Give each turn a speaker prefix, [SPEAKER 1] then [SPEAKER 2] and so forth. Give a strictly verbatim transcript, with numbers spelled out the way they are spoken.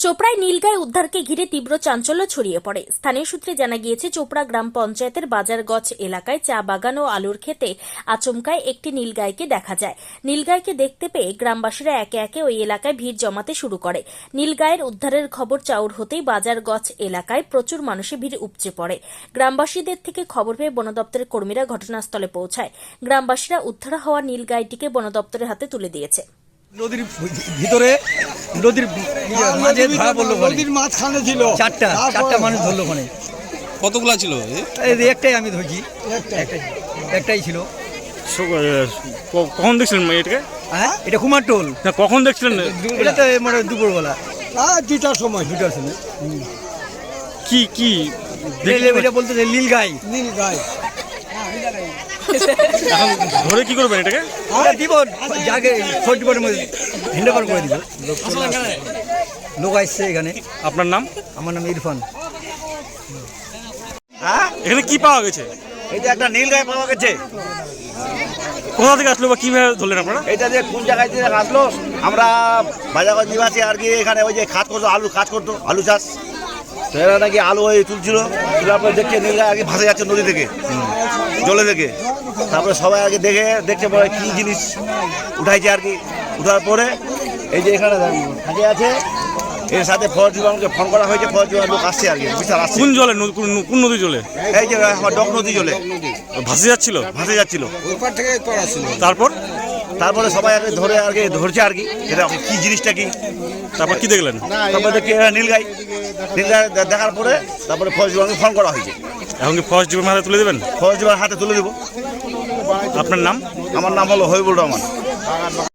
[SPEAKER 1] চোপড়ায় নীলগাই উদ্ধারকে ঘিরে তীব্র চাঞ্চল্য ছড়িয়ে পড়ে। স্থানীয় সূত্রে জানা গিয়েছে, চোপড়া গ্রাম পঞ্চায়েতের বাজারগছ এলাকায় চা বাগান ও আলুর ক্ষেতে আচমকায় একটি নীলগাইকে দেখা যায়। নীলগাইকে দেখতে পেয়ে গ্রামবাসীরা একে একে ওই এলাকায় ভিড় জমাতে শুরু করে। নীলগাইয়ের উদ্ধারের খবর চাউর হতেই বাজারগছ এলাকায় প্রচুর মানুষের ভিড় উপচে পড়ে। গ্রামবাসীদের থেকে খবর পেয়ে বন দপ্তরের কর্মীরা ঘটনাস্থলে পৌঁছায়। গ্রামবাসীরা উদ্ধার হওয়া নীলগাইটিকে বন দপ্তরের হাতে তুলে দিয়েছে।
[SPEAKER 2] নদীর ভিতরে নদীর মাঝে ধরা পড়লো,
[SPEAKER 3] নদীর মাঝখানে ছিল
[SPEAKER 2] চারটা চারটা মানুষ ধরলো ওখানে।
[SPEAKER 4] কতগুলা ছিল?
[SPEAKER 2] এই একটাই আমি ধরছি, একটাই একটাই ছিল।
[SPEAKER 5] কখন দেখছিলেন এটাকে?
[SPEAKER 2] হ্যাঁ, এটা কুমারটোল।
[SPEAKER 5] না, কখন দেখছিলেন?
[SPEAKER 2] এটা তো মানে দুপুরবেলা,
[SPEAKER 3] হ্যাঁ দুটার সময়।
[SPEAKER 2] দুটার সময়।
[SPEAKER 5] কি কি
[SPEAKER 2] এটা বলতে নীল গাই,
[SPEAKER 3] নীল গাই।
[SPEAKER 5] এখন ধরে কি করবেন এটাকে?
[SPEAKER 2] দিব যাকে ফোর্টিপোর্টের মধ্যে হ্যান্ডওভার করে দিব। লোক আসছে এখানে।
[SPEAKER 5] আপনার নাম?
[SPEAKER 2] আমার নাম ইরফান।
[SPEAKER 6] হ্যাঁ,
[SPEAKER 5] এখানে কি পাওয়া গেছে?
[SPEAKER 6] এটা একটা নীল গাই পাওয়া গেছে।
[SPEAKER 5] কোথা থেকে আসলো বা কিভাবে ধরলেন আপনারা?
[SPEAKER 6] এটা যে কোন জায়গায় থেকে আসলো, আমরা বাজারগঞ্জ নিবাসী আর কি, এখানে ওই যে খাত করতো, আলু কাজ করতো, আলু চাষ। তো এরা নাকি আলু ওই তুলছিল, তোলার পরে দেখছে নীল গাই আগে ভাসে যাচ্ছে নদী থেকে, জলে থেকে। তারপরে সবাই আগে দেখে দেখছে পরে কী জিনিস উঠাইছে আর কি। উঠার পরে এই যে এখানে থাকে আছে, এর সাথে ফরেস্ট বিভাগকে ফোন করা হয়েছে। ফরেস্ট বিভাগের লোক আসছে আর কি, বিশাল আসছে।
[SPEAKER 5] কোন জলে? নদ- কোন- কোন নদী জলে
[SPEAKER 6] এই যে আমার ডক নদী জলে
[SPEAKER 5] ভাসে যাচ্ছিল?
[SPEAKER 6] ভাসে যাচ্ছিল।
[SPEAKER 3] ওইপার থেকে করা ছিল।
[SPEAKER 5] তারপর
[SPEAKER 6] তারপরে সবাই আগে ধরে আর কি ধরছে আর কি, এটা কি জিনিসটা কি।
[SPEAKER 5] তারপর কি দেখলেন?
[SPEAKER 6] তারপরে দেখি এরা নীলগাই। নীলগাই দে- দেখার পরে তারপরে ফরেস্ট বিভাগকে ফোন করা হয়েছে।
[SPEAKER 5] এখন কি ফরেস্ট ডিপার্টমেন্ট হাতে তুলে দেবেন?
[SPEAKER 6] ফরেস্ট বিভাগ হাতে তুলে দেবো।
[SPEAKER 5] আপনার নাম?
[SPEAKER 6] আমার নাম হলো হবিবুর রহমান।